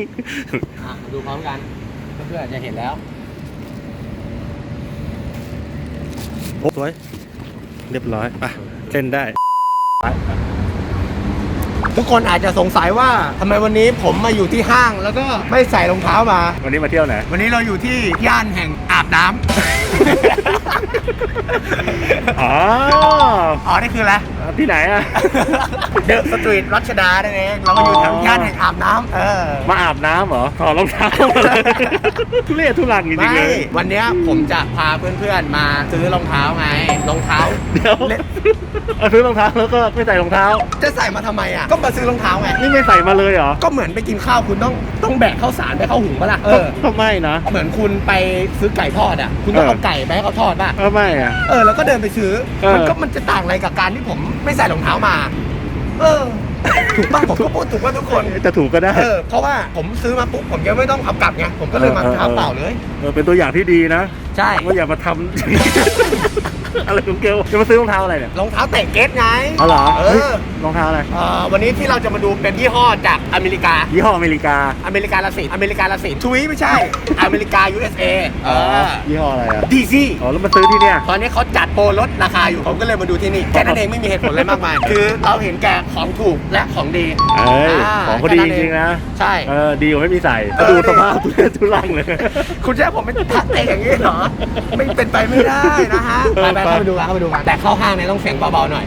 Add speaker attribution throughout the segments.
Speaker 1: ดูพร้อมกันเพื่อนๆจะเห็นแล้ว
Speaker 2: สวยเรียบร้อยไปเล่นได้
Speaker 1: ทุกคนอาจจะสงสัยว่าทำไมวันนี้ผมมาอยู่ที่ห้างแล้วก็ไม่ใส่รองเท้ามา
Speaker 2: วันนี้มาเที่ยวไหน
Speaker 1: วันนี้เราอยู่ที่ย่านแห่งอาบน้ำ
Speaker 2: อ๋อ
Speaker 1: นี่คืออะไร
Speaker 2: ที่ไหนอะ
Speaker 1: เดอะสตรีทรัชดานั่นเองเรามาอยู่แถวย่านแห่งอาบน้ำ
Speaker 2: มาอาบน้ำเหรอถอดรองเท้าทุเรศทุรังจริงๆเลย
Speaker 1: วันนี้ผมจะพาเพื่อนๆมาซื้อรองเท้าไงรองเท้า
Speaker 2: เดี๋ยวซื้อรองเท้าแล้วก็ไม่ใส่รองเท้า
Speaker 1: จะใส่มาทำไมอ่ะก็มาซื้อรองเท้าไง
Speaker 2: นี่ไม่ใส่มาเลยเหรอ
Speaker 1: ก็เหมือนไปกินข้าวคุณต้องแบกข้าวสารไปเข้าหุงปะล่ะ
Speaker 2: ก็ไม่นะ
Speaker 1: เหมือนคุณไปซื้อไก่ทอดอ่ะคุณต้องเอาไก่ไปให้เขาทอดป่ะ
Speaker 2: ก็ไม่อ่ะ
Speaker 1: แล้วก็เดินไปซื้อมันจะต่างอะไรกับการที่ผมไม่ใส่รองเท้ามาถูกป่ะผมก็พูดถูกป่ะทุกคน
Speaker 2: จะถูกก็ได้
Speaker 1: เพราะว่าผมซื้อมาปุ๊บผมยังไม่ต้องเอากลับไงผมก็เลยมาเท้าเปล่าเลย
Speaker 2: เป็นตัวอย่างที่ดีนะ
Speaker 1: ใช่
Speaker 2: ว่าอย่ามาทำอะไรของเกลจะมาซื้อรองเท้าอะไรเนี่ย
Speaker 1: รองเท้าแตะเก็ตไง
Speaker 2: อ๋อเหรอรองเท้าอะไร
Speaker 1: วันนี้ที่เราจะมาดูเป็นยี่ห้อจากอเมริกา
Speaker 2: ยี่ห้ออเมริกา
Speaker 1: ละสิทวีไม่ใช่อเมริกา USA
Speaker 2: ยี่ห้ออะไรอะ
Speaker 1: DC
Speaker 2: แล้วมาซื้อที่เนี่ย
Speaker 1: ตอนนี้เขาจัดโปรลดราคาอยู่ผมก็เลยมาดูที่นี่แค่นั้นเองไม่มีเหตุผลอะไรมากมายคือเราเห็นแก่ของถูกและของดี
Speaker 2: ของเขาดีจริงนะ
Speaker 1: ใช่
Speaker 2: ดีกว่าไม่มีใส่ดูสภาพทุลังเลย
Speaker 1: คุณจะให้ผมเป็นทักเตะอย่างนี้เหรอไม่เป็นไปไม่ได้นะฮะไปเข้าไปดูกันแต่เข้าห้างเนี่ยต้องเสียงเบาๆหน่อย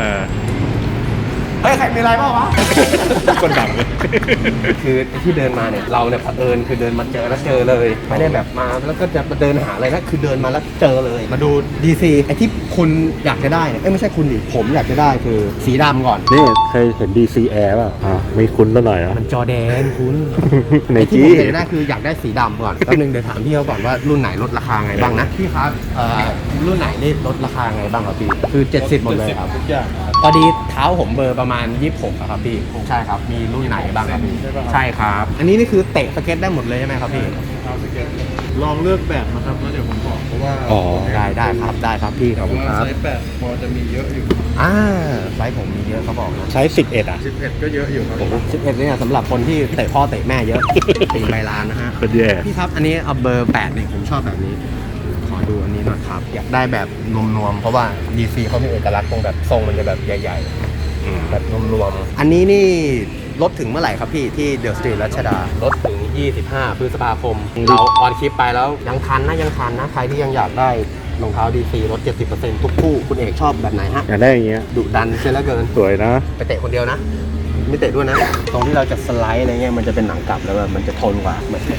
Speaker 1: เฮ้ยใครมีอะไรบ้างวะ
Speaker 2: คนดังเลย
Speaker 1: คือที่เดินมาเนี่ยเราเนี่ยเผอิญคือเดินมาเจอแล้วเจอเลยไม่ได้แบบมาแล้วก็จะมาเดินหาอะไรนะคือเดินมาแล้วเจอเลยมาดู DC ไอ้ที่คุณอยากจะได้เนี่ยไม่ใช่คุณดิผมอยากจะได้คือสีดำก่อน
Speaker 2: นี่เคยเห็น DC Air ป่ะไม่คุ้นเท่าไหร่
Speaker 1: มันจอแดนคุณ
Speaker 2: ใน
Speaker 1: ที่ผมเห็นได้คืออยากได้สีดำก่อนแป๊บนึงเดี๋ยวถามพี่เขาก่อนว่ารุ่นไหนลดราคาไงบ้างนะพี่ครับรุ่นไหนนี่ลดราคาไงบ้างครับพี่คือ70หมดเลยครับ
Speaker 2: ทุกอย่าง
Speaker 1: พอดีเท้าผมเบอร์ประมาณ26ครับพี่ใช่ครับมีรุ่นไหนบ้างครับพี่ใช่ครับอันนี้นี่คือเตะสเก็ตได้หมดเลยใช่ไหมครับพี่
Speaker 2: ลองเลือกแบบนะครับแล้วเดี๋ยวผมบอกเพราะว่า
Speaker 1: ได้ครับพี่ครับ
Speaker 2: ไซส์8พอจะมีเยอะอยู่
Speaker 1: ไซส์ผมมีเยอะเขาบอกนะ
Speaker 2: ไซส์11อ่ะ11ก็เยอะอยู่ครับ
Speaker 1: 11เนี่ยสำหรคนที่เตะพ่อเตะแม่เยอะตีใบลานนะฮะ
Speaker 2: คนแย่
Speaker 1: พี่ครับอันนี้เอาเบอร์8เนี่ยผมชอบแบบนี้ขอดูอันนี้หน่อยครับอยากได้แบบนวมๆเพราะว่า DC เขามีเอกลักษณ์ตรงแบบทรงมันจะแบบใหญ่ๆแบบรวมๆอันนี้นี่ลดถึงเมื่อไหร่ครับพี่ที่เดอะสตรีทรัชดาลดถึง25พฤษภาคมเราออนคลิปไปแล้วยังทันนะใครที่ยังอยากได้รองเท้า DC ลด 70% ทุกคู่คุณเอกชอบแบบไหนฮะ
Speaker 2: อยากได้อย่างเงี้ย
Speaker 1: ดุดันเสียแล้วเกิน
Speaker 2: สวยนะ
Speaker 1: ไปเตะคนเดียวนะไม่เตะด้วยนะตรงที่เราจะสไลด์อะไรเงี้ยมันจะเป็นหนังกลับแล้วแบบมันจะทนกว่าเหมือน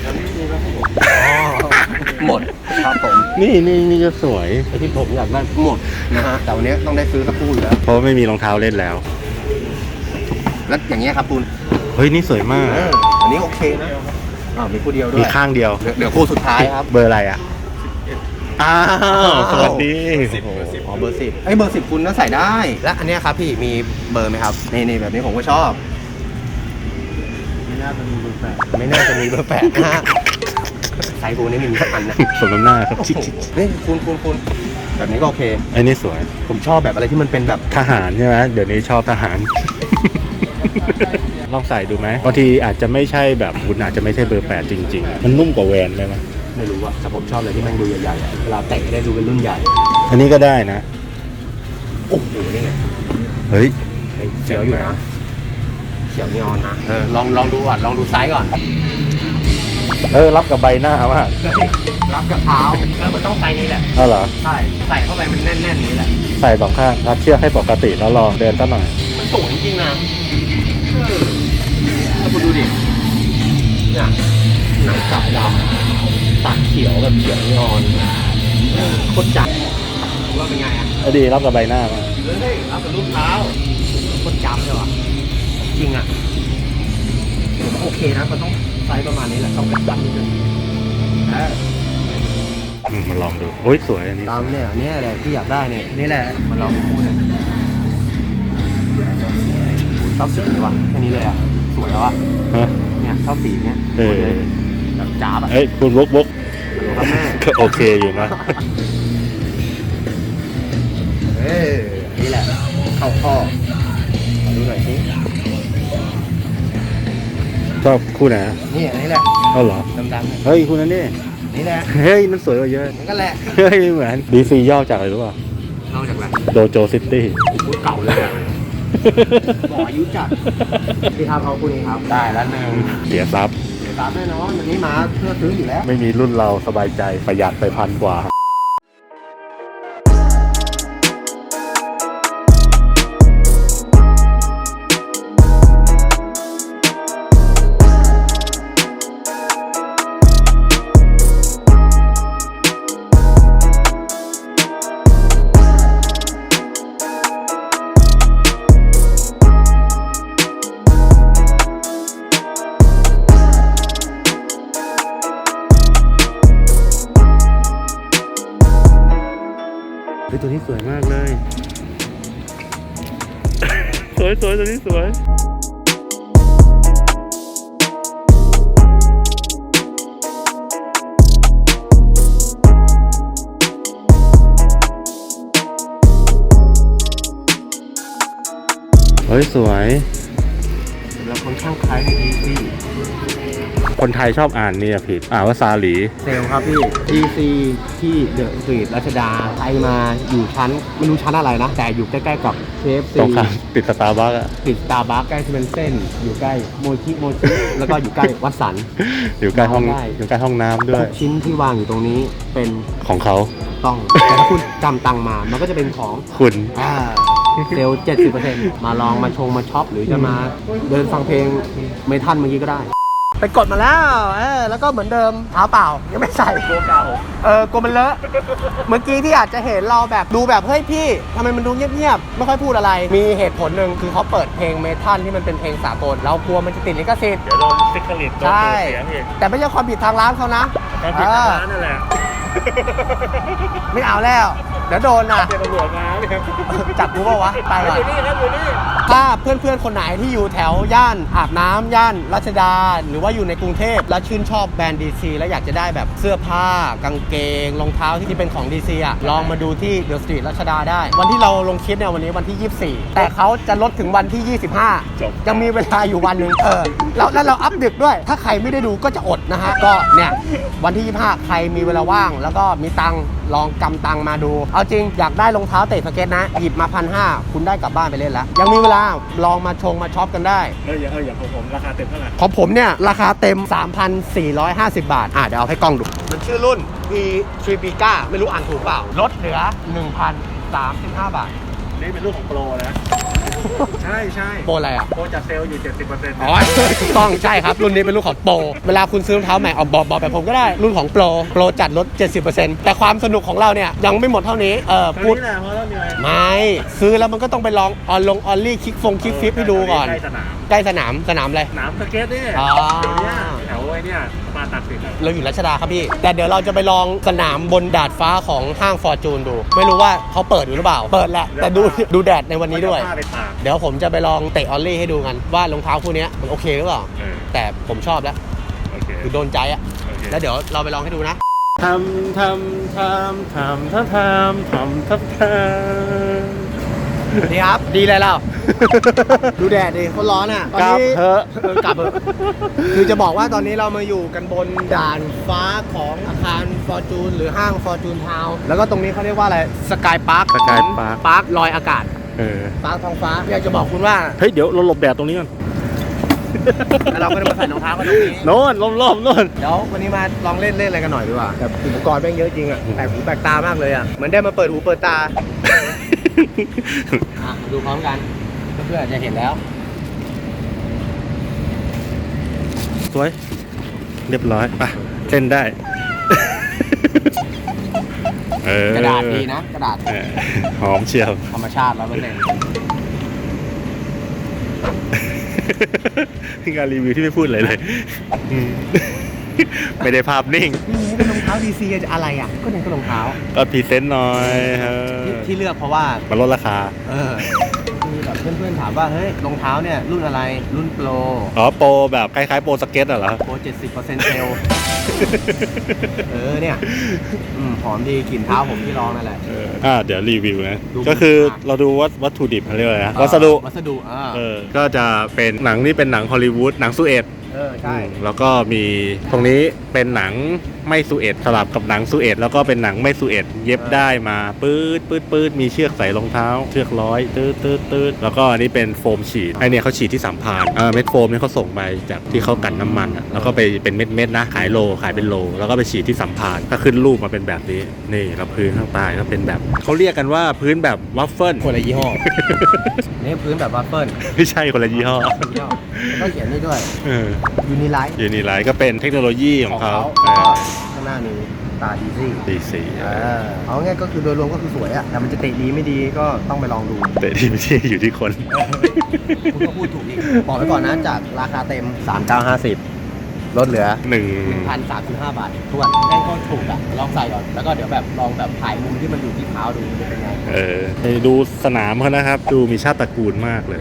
Speaker 1: หมดครับผม
Speaker 2: นี่จะสวย
Speaker 1: ไอ้ที่ผมอยากได้หมดนะฮะแต่วันนี้ต้องได้ซื้อสักคู่แล้ว
Speaker 2: เพราะไม่มีรองเท้าเล่นแล้ว
Speaker 1: อย่างเงี้ยครับคุณ
Speaker 2: เฮ้ยนี่สวยมาก
Speaker 1: อันนี้โอเคนะมีคู่เดียวด้วย
Speaker 2: มีข้างเดียว
Speaker 1: เดี๋ยวคู่สุดท้ายครับ
Speaker 2: เบอร์อะไรอ่ะสวัสดี
Speaker 1: เบอร์10ไอ้เบอร์10คุณน่าใส่ได้และอันนี้ครับพี่มีเบอร์ไหมครับนี่แบบนี้ผมก็ชอบ
Speaker 2: ไม่น่าจะมีเบอร์
Speaker 1: 8นะฮะไซส์กูนี่มีสักอันนะ
Speaker 2: สมน้ำหน้าครับ
Speaker 1: นี่คุณแบบนี้ก็โอเค
Speaker 2: ไอ้นี่สวย
Speaker 1: ผมชอบแบบอะไรที่มันเป็นแบบ
Speaker 2: ทหารใช่ไหมเดี๋ยวนี้ชอบทหารลองใส่ดูไหมบางทีอาจจะไม่ใช่แบบคุณอาจจะไม่ใช่เบอร์8จริงๆมันนุ่มกว่าแวนไหม
Speaker 1: ไม่รู้อะแต่ผมชอบอะไรที่มันดูใหญ่ๆเวลาเตะได้ดูเป็นรุ่นใหญ่
Speaker 2: อันนี้ก็ได้นะ
Speaker 1: โอ้โหนี่ไง
Speaker 2: เฮ้ย
Speaker 1: เขียวอยู่นะเขียวนีออนนะลองดูก่อนลองดูไซส์ก่อน
Speaker 2: รับกับใบหน้ามาก
Speaker 1: รับกับเท้ามันต้องไซส์นี้แหละ
Speaker 2: เหรอ
Speaker 1: ใช่ใส่เข้าไปมันแน่นๆนี้แหละ
Speaker 2: ใส่2ข้างรัดเชือกให้ปกติแล้วลองเดินตั้งหน่อย
Speaker 1: มันสูงจริงๆนะถ้าคุณดูดิเนี่ยหนังกลับดำตัดเขียวแบบเขียวนีออนโคตรจัดว่าเป็นไง
Speaker 2: ดีรับกับใบหน้ามาก
Speaker 1: รับกับรูปเท้าโคตรจำเลยวะจริงอะโอเคนะมันต้องไซส์ประมาณนี้แหละต้องกระจับนิดนึง
Speaker 2: มาลองดูโอ้ยสวยอันนี้
Speaker 1: ตามเนี่ยนี่แหละที่อยากได้เนี่ยนี่แหละมาลองดูเนี่ยชอบสีนี้วะแค่นี้เลยอ่ะสวยแล้วอ่ะเนี่ยชอบสีเนี้ยแบบจ้าบอ่ะ
Speaker 2: คุณวกก็โอเคอยู่นะ
Speaker 1: นี่แหละเข้าข้อดูหน่อยสิ
Speaker 2: ชอบคู่ไหน
Speaker 1: นี่อันนี้แหละ
Speaker 2: เอาเหรอ
Speaker 1: ดำๆ
Speaker 2: เฮ้ยคู่นั้นนี่
Speaker 1: นี่แหละ
Speaker 2: เฮ้ยนั่นสวยกว่าเยอะ
Speaker 1: มันก็แหละ
Speaker 2: เฮ้ยเหมือน DC ย่อจากอะไรรู้ป่ะ
Speaker 1: นอกจากอะไร
Speaker 2: โดโจซิตี้
Speaker 1: พูดเก่าเลยอะบอกอายุจัดพี่ครับเอาคู่นี้ครับได้แล้วหนึ่ง
Speaker 2: เสียทรัพย์
Speaker 1: เดี๋ยวตามแน่นอนวันนี้มาเพื่อซื้ออยู่แล้ว
Speaker 2: ไม่มีรุ่นเราสบายใจประหยัดไป1,000 กว่า เฮ้ยตัวนี้สวยมากเลย สวยตัวนี้สวย เฮ้ยสวย
Speaker 1: เราค่อนข้างคล้ายในดีซี
Speaker 2: คนไทยชอบอ่านเนี่ยผิด อ่านว่าซาหลี
Speaker 1: เซลครับพี่ DC ที่เดอะสตรีทรัชดาใครมาอยู่ชั้นไม่รู้ชั้นอะไรนะ แต่อยู่ใกล้ๆกับ KFC
Speaker 2: ตรงข้ามติดสตาร์บัคอะ
Speaker 1: ติดสตาร์บัคใกล้เซเว่นเส้นอยู่ใกล้โมชิแล้วก็อยู่ใกล้วัดสัน
Speaker 2: อยู่ใกล้ห้อง
Speaker 1: ได้
Speaker 2: อยู่ใกล้ห้องน้ำด้ว
Speaker 1: ทุ
Speaker 2: ย
Speaker 1: กชิ้นที่วางอยู่ตรงนี้เป็น
Speaker 2: ของเขา
Speaker 1: ต้อง แต่ถ้าคุณจำตังค์มา มันก็จะเป็นของ
Speaker 2: คุณ
Speaker 1: เซลล์ 70% มาลองมาชงมาช็อปหรือจะมาเดินฟังเพลงเมทัลเมื่อกี้ก็ได้ ไปกดมาแล้วแล้วก็เหมือนเดิมเท้าเปล่ายังไม่ใส่กลัวเก่ากลัวมันเลอะ เมื่อกี้ที่อาจจะเห็นเราแบบดูแบบเฮ้ยพี่ทำไมมันดูเงียบๆไม่ค่อยพูดอะไร มีเหตุผลหนึ่งคือเขาเปิดเพลงเมทัลที่มันเป็นเพลงสากลเรากลัวมันจะติดลิขสิทธิ์
Speaker 2: เดี๋ยวโดนซิกลิตโดน
Speaker 1: ใช่
Speaker 2: เสียงอีก
Speaker 1: แต่ไม่ใช่ความผิดทางร้านเขานะ
Speaker 2: ความผิดทางร้านนั่นแหละ
Speaker 1: ไม่เอาแล้ว เดี๋ยวโดนนะ
Speaker 2: เดี๋ยวตำรวจมาเนี่ย
Speaker 1: จับกูเปล่าวะไปก่อน
Speaker 2: อยู่นี่ครับอยู่นี่
Speaker 1: ถ้าเพื่อนๆ คนไหนที่อยู่แถวย่านอาบน้ำย่านรัชดา หรือว่าอยู่ในกรุงเทพแล้วชื่นชอบแบรนด์ DC แล้วอยากจะได้แบบเสื้อผ้ากางเกงรองเท้าที่เป็นของ DC อ่ะลองมาดูที่เดอะสตรีทรัชดาได้ วันที่เราลงคลิปเนี่ยวันนี้วันที่ 24 แต่เขาจะลดถึงวันที่ 25 ยังมีเวลาอยู่วันหนึ่งแล้วเราอัพดึกด้วย ถ้าใครไม่ได้ดูก็จะอดนะฮะก็เนี่ยวันที่ 25 ใครมีเวลาว่าง แล้วก็มีตังค์ลองกำตังมาดู เอาจริงอยากได้รองเท้าเตะสเก็ตนะหยิบมา1,500คุณได้กลับบ้านไปเล่นแล้วยังมีเวลาลองมาชงมาช็อปกันได้
Speaker 2: อย่างของผมราคาเต็มเท่าไหร่
Speaker 1: ของผมเนี่ย ราคาเต็ม 3,450 บาท เดี๋ยวเอาให้กล้องดู มันชื่อรุ่น e t r i p i c a ไม่รู้อ่านถูกเปล่า ลดเหลือ 1,035 บาท
Speaker 2: นี่เป็นรุ่นของโปรนะ ใช่ใช่
Speaker 1: โปรอะไรอ่ะ
Speaker 2: โปรจัดเซลล์อยู่ 70%
Speaker 1: อ๋อ ถูกต้องใช่ครับ รุ่นนี้เป็นรุ่นของโปร เวลาคุณซื้อรองเท้าใหม่เอาบอกแบบผมก็ได้ รุ่นของโปรจัดลด 70% แต่ความสนุกของเราเนี่ย ยังไม่หมดเท่านี้ พูด
Speaker 2: นี่แหละเพราะเราเหนื่อย
Speaker 1: ไม่ซื้อแล้วมันก็ต้องไปลองออนลี่คิกฟิปให้ดูก่อน
Speaker 2: ใกล้สนาม
Speaker 1: ใกล้สนามอะไร
Speaker 2: สนามสเก็ตนี่
Speaker 1: อ๋อ
Speaker 2: เดี๋ยวเนี้ยแถวไอ้เนี่ยมาตัดสินอะ
Speaker 1: เราอยู่รัชดาครับพี่ แต่เดี๋ยวเราจะไปลองสนามบนดาดฟ้าของห้างฟอร์จูนดู ไม่รู้ว่าเขาเปิดอยู่หรือเปล่า เปิดแหละ แต่ดูแดดในวันนี้ด้วย
Speaker 2: ผ้าไปตาก
Speaker 1: เดี๋ยวผมจะไปลองเตะออลลี่ให้ดูกัน ว่ารองเท้าคู่นี้มันโอเคหรือเปล่า แต่ผมชอบแล้ว
Speaker 2: โอเค
Speaker 1: คือโดนใจอะ
Speaker 2: โอเค
Speaker 1: แล้วเดี๋ยวเราไปลองให้ดูนะ
Speaker 2: ท
Speaker 1: ดีครับ ดีเลยเรา ดูแดดดิเขาร้อนอ่ะตอนนี้
Speaker 2: กลับเถอะ
Speaker 1: กลับเถอะคือจะบอกว่าตอนนี้เรามาอยู่กันบนด่านฟ้าของอาคารฟอร์จูนหรือห้างฟอร์จูนทาวน์แล้วก็ตรงนี้เขาเรียกว่าอะไรสกายพาร์ค
Speaker 2: Sky Park
Speaker 1: พาร์คลอยอากาศพาร์คท้องฟ้าอยากจะบอกคุณว่า
Speaker 2: เฮ้ยเดี๋ยวเราหลบแดดตรงนี้ก่อน
Speaker 1: แล้วเราก็จะมาใส่รองเท้ากันตรงนี้
Speaker 2: โน่นล้อมโน่น
Speaker 1: เดี๋ยววันนี้มาลองเล่นอะไรกันหน่อยดีกว่าแต่อุปกรณ์แม่งเยอะจริงอ่ะแปลกหูแปลกตามากเลยอ่ะเหมือนได้มาเปิดหูเปิดตา ดูพร้อมกันเพื่อนๆจะเห็นแล้ว
Speaker 2: สวย เรียบร้อยไปเล่นได้
Speaker 1: กระดาษดีนะกระดาษ
Speaker 2: หอมเชียว
Speaker 1: ธรรมชาติ100%
Speaker 2: งานรีวิวที่ไม่พูดอะไรเลย ไม่ได้ภาพนิ่ง
Speaker 1: นี่เป็นรองเท้า DC จะอะไรอ่ะก็เนี่ยก็รองเท้า
Speaker 2: ก็พรีเซนต์หน่อยเออ
Speaker 1: ที่เลือกเพราะว่า
Speaker 2: มันลดราคา
Speaker 1: มีแบบเพื่อนๆถามว่าเฮ้ยรองเท้าเนี่ยรุ่นอะไรรุ่นโปร
Speaker 2: อ๋อโปรแบบคล้ายๆโปรสเก็ตเหรอ
Speaker 1: โปร 70% เซลล์ เนี่ยหอมดีกลิ่นเท้าผมที่ลองนั่นแหละ
Speaker 2: เดี๋ยวรีวิวนะ
Speaker 1: ดู
Speaker 2: ก็คือเราดูวัตถุดิบเขาเรียกว่าอะไรนะวัสดุ
Speaker 1: วัสดุ
Speaker 2: ก็จะเป็นหนังนี่เป็นหนังฮอลลีวูดหนังซูเอต
Speaker 1: ใช่
Speaker 2: แล้วก็มีตรงนี้เป็นหนังไม่ซูเอตสลับกับหนังซูเอตแล้วก็เป็นหนังไม่ซูเอตเย็บได้มาปื๊ดมีเชือกใส่รองเท้าเชือกร้อยตืดแล้วก็อันนี้เป็นโฟมฉีดไอเนี่ยเขาฉีดที่สัมพานเม็ดโฟมเนี่ยเขาส่งไปจากที่เขากันน้ำมันแล้วก็ไปเป็นเม็ดนะขายเป็นโลแล้วก็ไปฉีดที่สัมพานก็ขึ้นรูปมาเป็นแบบนี้นี่แล้วพื้นข้างใต้ก็เป็นแบบเขาเรียกกันว่าพื้นแบบวัฟเฟิล
Speaker 1: คนละยี่ห้อ นี่พื้นแบบวัฟเฟิล
Speaker 2: ไม่ใช่คนละยี่ห้อ
Speaker 1: แล้วก็เขียนนี่ด้วยยูนิไลท์
Speaker 2: ยูนิไลท์ก็เป็นเทคโนโลยีของเขา
Speaker 1: แล้วก็ข้างหน้านี้ตาดีซี่
Speaker 2: ดีสี
Speaker 1: เอาง่ายก็คือโดยรวมก็คือสวยอะแต่มันจะเตะดีไม่ดีก็ต้องไปลองดู
Speaker 2: แต่ที่ไม่ใช่อยู่ที่คน
Speaker 1: คุณก็พูดถูกอีกบอกไว้ก่อนนะจากราคาเต็ม 3,950 ลดเหลือ 1,035 บาททวนแม่งก็ถูกอะลองใส่ก่อน แล้วก็เดี๋ยวแบบลองแบบถ่ายมุมที่มันอยู่ที่เท้าดูมันจะเป็นไง
Speaker 2: ไปดูสนามเขานะครับ ดูมีชาติตระกูลมากเลย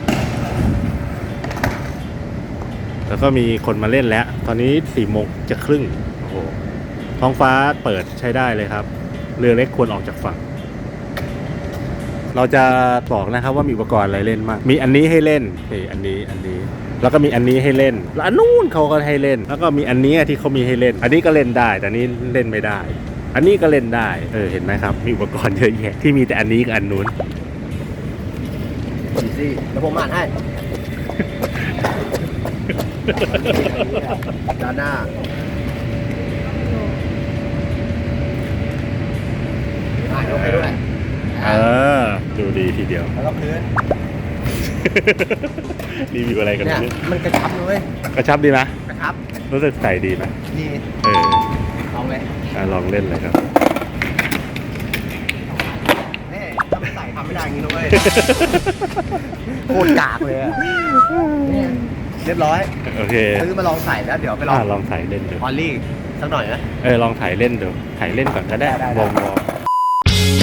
Speaker 2: แล้วก็มีคนมาเล่นแล้ว ตอนนี้4 โมงจะครึ่งโอ้โหท้องฟ้าเปิดใช้ได้เลยครับ เรือเล็กควรออกจากฝั่ง เราจะบอกนะครับว่ามีอุปกรณ์อะไรเล่นมาก มีอันนี้ให้เล่นนี่อันนี้ แล้วก็มีอันนี้ให้เล่น แล้วอันนู้นเขาก็ให้เล่น แล้วก็มีอันนี้ที่เขามีให้เล่น อันนี้ก็เล่นได้ แต่อันนี้เล่นไม่ได้ อันนี้ก็เล่นได้ เห็นไหมครับ มีอุปกรณ์เยอะแยะที่มีแต่อันนี้กับอันนู้น
Speaker 1: ดีซี่แล้วผมอ่านให้ ด้านหน้ายกให้ด้วย
Speaker 2: ดูดีทีเดียว
Speaker 1: แล้วก็พื้น
Speaker 2: รีวิวอะไรกัน
Speaker 1: เนี่ย
Speaker 2: เนี่ย
Speaker 1: มันกระชับเลย
Speaker 2: กระชับดีไหม
Speaker 1: กระชับ
Speaker 2: รู้สึกใส่ดีไหม
Speaker 1: ดี ลองเลย
Speaker 2: ลองเล่นเลยครับ
Speaker 1: นี่ถ้าไม่ใส่ทำไม่ได้อย่างนี้นะเว้ย โคตรกากเลยอะนี่เรียบร้อย
Speaker 2: โอเค
Speaker 1: ซื้อมาลองใส่แล้วเดี๋ยวไปลอง
Speaker 2: ลองถ่ายเล่นดู
Speaker 1: ออลลี่สักหน่อยนะ
Speaker 2: ลองถ่ายเล่นดูถ่ายเล่นก่อนก็ได้
Speaker 1: ได้
Speaker 2: วอร์ม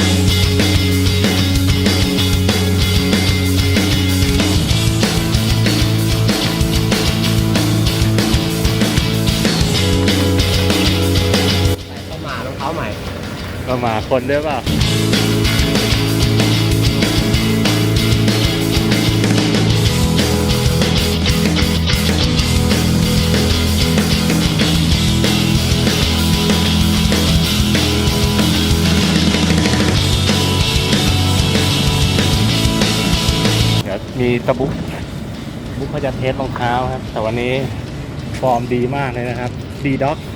Speaker 1: เข้ามารองเท้าใหม่
Speaker 2: ก็มาคนด้วยเปล่าเดี๋ยวมีตะบุ๊กเขาจะเทสรองเท้าครับ แต่วันนี้ฟอร์มดีมากเลยนะครับดีด็อก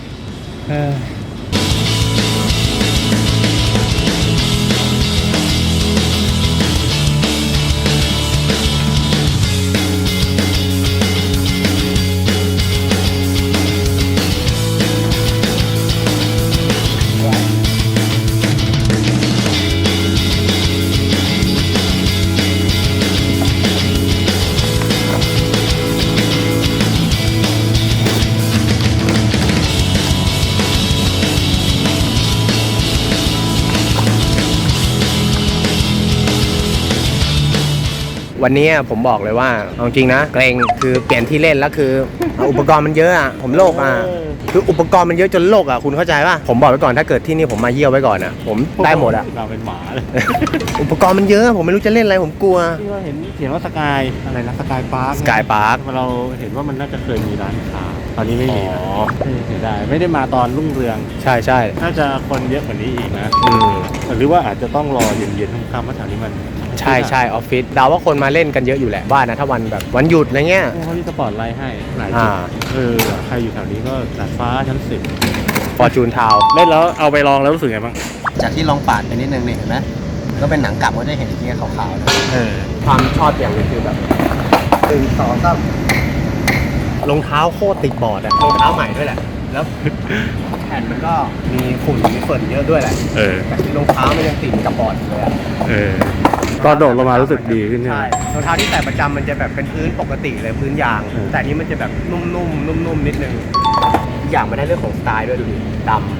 Speaker 1: วันนี้ผมบอกเลยว่าเอาจริงนะเกรงคือเปลี่ยนที่เล่นแล้วคือ อุปกรณ์มันเยอะอ่ะผมโลกอ่ะคืออุปกรณ์มันเยอะจนโลกอ่ะคุณเข้าใจป่ะผมบอกไว้ก่อนถ้าเกิดที่นี่ผมมาเยี่ยวไว้ก่อนอ่ะผมได้หมดอ่ะ
Speaker 2: เราเป็นหมาเลย
Speaker 1: อุปกรณ์มันเยอะผมไม่รู้จะเล่นอะไรผมกลัว
Speaker 2: ที่เราเห็นเขียนว่าสกายอะไรนะสกายพาร์ค
Speaker 1: สกายพาร์ค
Speaker 2: เราเห็นว่ามันน่าจะเคยมีร้านค้าตอนนี้ไม่มีนะเสียดายไม่ได้มาตอนรุ่งเรือง
Speaker 1: ใช่ใช่
Speaker 2: น่าจะคนเยอะกว่านี้อีกนะหรือว่าอาจจะต้องรอเย็นๆค่ำๆเพราะแถวนี้มัน
Speaker 1: ใช่ใช่ออฟฟิศเดาว่าคนมาเล่นกันเยอะอยู่แหละว่านะถ้าวันแบบวันหยุดอะไรเงี้ย
Speaker 2: เขามีสปอร์ตไลท์ให้หลายจุดใครอยู่แถวนี้ก็ดาดฟ้าชั้น10
Speaker 1: ฟอร์จูนทาว
Speaker 2: เล่นแล้วเอาไปลองแล้วรู้สึกไงบ้าง
Speaker 1: จากที่ลองปาดไปนิดนึงนี่เห็นไหมก็เป็นหนังกลับก็จะเห็นไอ้ที่ขาวๆนะความชอบอย่างนึงคือแบบ1 2 3รองเท้าโคตรติดบอร์ดอะรองเท้าใหม่ด้วยแหละแล้วแผ่นมันก็มีฝุ่นมีฝนเยอะด้วยแหละแต่ที่รองเท้ามันยังติดกับบอร์ดอยู่เลยอะ
Speaker 2: ตอนโดดลงมารู้สึกดีขึ้นใช่ไหม
Speaker 1: ใช่รองเท้าที่ใส่ประจำมันจะแบบเป็นพื้นปกติเลยพื้นยาง แต่อันนี้มันจะแบบนุ่มๆนุ่มๆนิดนึงอีกอย่างมันได้เรื่องของสไตล์ด้วยดูดิดำ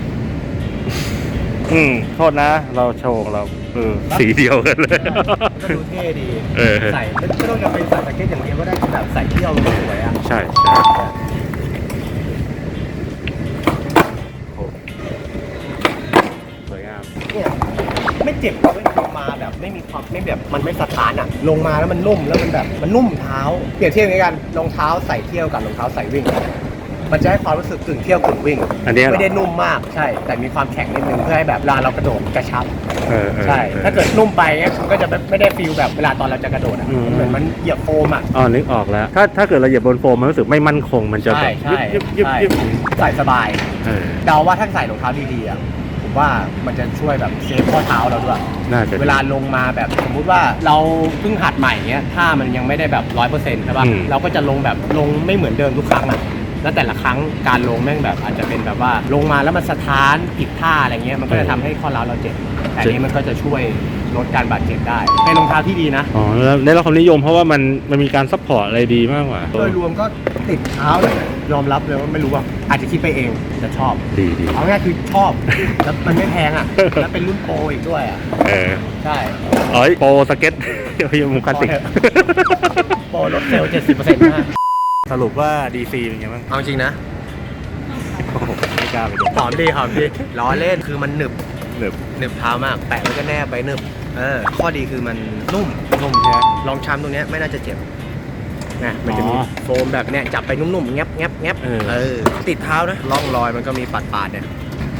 Speaker 2: โทษนะ เราโชว์ของเราสีเดียวกันเลย
Speaker 1: ก็ดูเท่ดี
Speaker 2: เออ
Speaker 1: ใส่ไม่ต้องจะเป็นใส่แจ็คเก็ตอย่างเดียวก็ได้แบบใส่เที่ยวมันก็สวยอ่ะ
Speaker 2: ใช่สวยงาม
Speaker 1: เนี่ยไม่เจ็บเลยลงมาแบบไม่มีความไม่แบบมันไม่สถานอ่ะลงมาแล้วมันนุ่มแล้วมันแบบมันนุ่มเท้าเปรียบเทียบกันรองเท้าใส่เที่ยวกับรองเท้าใส่วิ่งมันจะให้ความรู้สึกกึ่งเที่ยวกึ่งวิ่ง
Speaker 2: อันนี้เหรอ
Speaker 1: ไม่ได้นุ่มมากใช่แต่มีความแข็งนิดนึงเพื่อให้แบบเวลาเรากระโดดกระชับ ใช่ถ้าเกิดนุ่มไปเนี่ยมันก็จะไม่ได้ฟีลแบบเวลาตอนเราจะกระโดดอ่ะเหมือนมันเหยียบโฟมอ่ะ
Speaker 2: อ๋อนึกออกแล้ว ถ้าเกิดเราเหยียบบนโฟมมันรู้สึกไม่มั่นคงมันจะแบ
Speaker 1: ใช่
Speaker 2: บ
Speaker 1: ใช่
Speaker 2: ยึบยึบ
Speaker 1: ใช่
Speaker 2: ยึบ
Speaker 1: ใส่สบาย
Speaker 2: เออ
Speaker 1: เดาว่าถ้าใส่รองเท้าดีๆอ่ะผมว่ามันจะช่วยแบบเซฟข้อเท้าเราด้วย
Speaker 2: น่าจะ
Speaker 1: เวลาลงมาแบบสมมุติว่าเราเพิ่งหัดใหม่เงี้ยถ้ามันยังไม่ได้แบบ100%ใช่ป่ะเราก็จะลงแบบลงไม่เหมือนเดิมทุกครั้งอ่ะแล้วแต่ละครั้งการลงแม่งแบบอาจจะเป็นแบบว่าลงมาแล้วมันสะท้านผิดท่าอะไรเงี้ยมันก็จะทำให้ข้อเท้าเราเจ็บแต่อันนี้มันก็จะช่วยลดการบาดเจ็บได้เป็นรองเท้าที่ดีนะ
Speaker 2: อ๋อแล้วได้รับความนิยมเพราะว่ามันมีการซัพพอร์ตอะไรดีมากกว่า
Speaker 1: โดยรวมก็ติดเท้าเลยยอมรับเลยว่าไม่รู้ว่าอาจจะคิดไปเองแต่ชอบ
Speaker 2: ดี
Speaker 1: เอาง่ายคือชอบแล้วมันไม่แพงอ่ะแล้วเป็นรุ่นโปรอีกด้วยอ่ะ
Speaker 2: เออ
Speaker 1: ใช่
Speaker 2: เอ้ยโปรสเก็ตยังมุมคลาสสิก
Speaker 1: โปรลดเซลล์ 70%นะ
Speaker 2: สรุปว่า DC เป็นไงบ้าง
Speaker 1: เอาจริงนะ
Speaker 2: โอ้โหไม่กล้าไปดู
Speaker 1: หอมดีล้อเล่นคือมันหนึบ
Speaker 2: หนึบ
Speaker 1: หนึบเท้ามากแปะแล้วก็แนบไปหนึบข้อดีคือมันนุ่ม
Speaker 2: นุ่มใช่ไหม
Speaker 1: ลองช้ำตรงเนี้ยไม่น่าจะเจ็บนะมันจะมี
Speaker 2: อ๋อ
Speaker 1: โฟมแบบเนี้ยจับไปนุ่มๆแงบแงบแงบ
Speaker 2: เออ
Speaker 1: ติดเท้านะร่องรอยมันก็มีปาดๆเนี่ย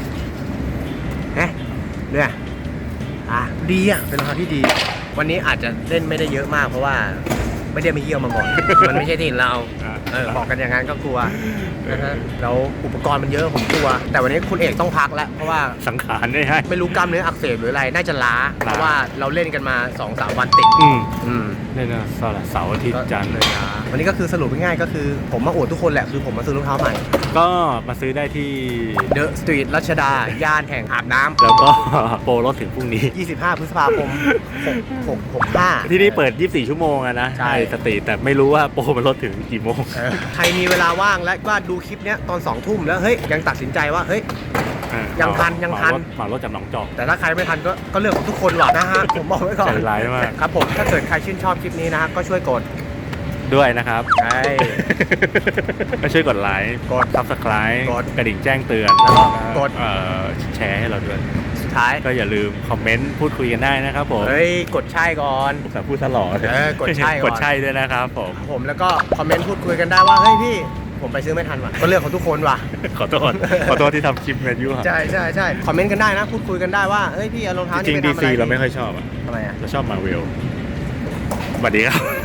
Speaker 1: เนี่ยดีอ่ะเป็นรองเท้าที่ดี วันนี้อาจจะเล่นไม่ได้เยอะมากเพราะว่าไม่ได้มาเยี่ยมมาก่อน มันไม่ใช่ที่เราบอกกันอย่างนั้นก็กลัวนะฮะแล้วอุปกรณ์มันเยอะผมกลัว แต่วันนี้คุณเอกต้องพักแล้วเพราะว่า
Speaker 2: สังขารได้ให้
Speaker 1: ไม่รู้กล้ามเนื้ออักเสบหรืออะไรน่าจะล้าเพราะว่าเราเล่นกันมา 2-3 วันติด
Speaker 2: เล่นนะเสาร์อาทิตย์จันทร์
Speaker 1: เลยนะวันนี้ก็คือสรุปง่ายๆก็คือผมมาอวดทุกคนแหละคือผมมาซื้อรองเท้าใหม่
Speaker 2: ก็มาซื้อได้ที่
Speaker 1: เดอะสตรีทรัชดาย่านแห่งอาบน้ำ
Speaker 2: แล้วก็ โปรลดถึงพรุ่งนี้
Speaker 1: 25 พฤษภาคม65
Speaker 2: ที่นี่เปิด 24 ชั่วโมงอะนะ
Speaker 1: ใช่
Speaker 2: สตรีทแต่ไม่รู้ว่าโปรมันลดถึงกี่โมง
Speaker 1: ใครมีเวลาว่างและว่าดูคลิปเนี้ยตอน2 ทุ่มแล้วเฮ้ยยังตัดสินใจว่าเฮ้ย ยังทัน
Speaker 2: เหมารถจากหนองจอก
Speaker 1: แต่ถ้าใครไม่ทันก็เรื่องของทุกคนว่ะนะฮะ ผมบอกไว้ก่อน
Speaker 2: ใจร้ายมาก
Speaker 1: ครับผมถ้าเกิดใครชื่นชอบคลิปนี้นะฮะก็ช่วยกด
Speaker 2: ด้วยนะครับ
Speaker 1: ใช่
Speaker 2: ก็ช่วยกดไลค์
Speaker 1: กด
Speaker 2: Subscribe
Speaker 1: กด
Speaker 2: กระดิ่งแจ้งเตือน
Speaker 1: แล้วก็กด
Speaker 2: แชร์ให้เราด้วย
Speaker 1: สุดท้าย
Speaker 2: ก็อย่าลืมคอมเมนต์พูดคุยกันได้นะครับผม
Speaker 1: เฮ้ยกดใช่ก่อน
Speaker 2: แต่พูดตลอด
Speaker 1: กดใช่ก่อน
Speaker 2: กดใช่ด้วยนะครับผม
Speaker 1: ผมแล้วก็คอมเมนต์พูดคุยกันได้ว่าเฮ้ยพี่ผมไปซื้อไม่ทันว่ะก็เรื่องของทุกคนว่ะ
Speaker 2: ขอโทษ ที่ทำคลิปแมนยูครับ
Speaker 1: ใช่คอมเมนต์กันได้นะพูดคุยกันได้ว่าเฮ้ยพี่เอารองเท้า
Speaker 2: จริ
Speaker 1: นี่
Speaker 2: ง
Speaker 1: ไป
Speaker 2: ดี
Speaker 1: ทำอะไร
Speaker 2: ซีเราไม่ค่อยชอบอะ
Speaker 1: ทำไมอ่ะ
Speaker 2: เราชอบมาเวลสวัสดีครับ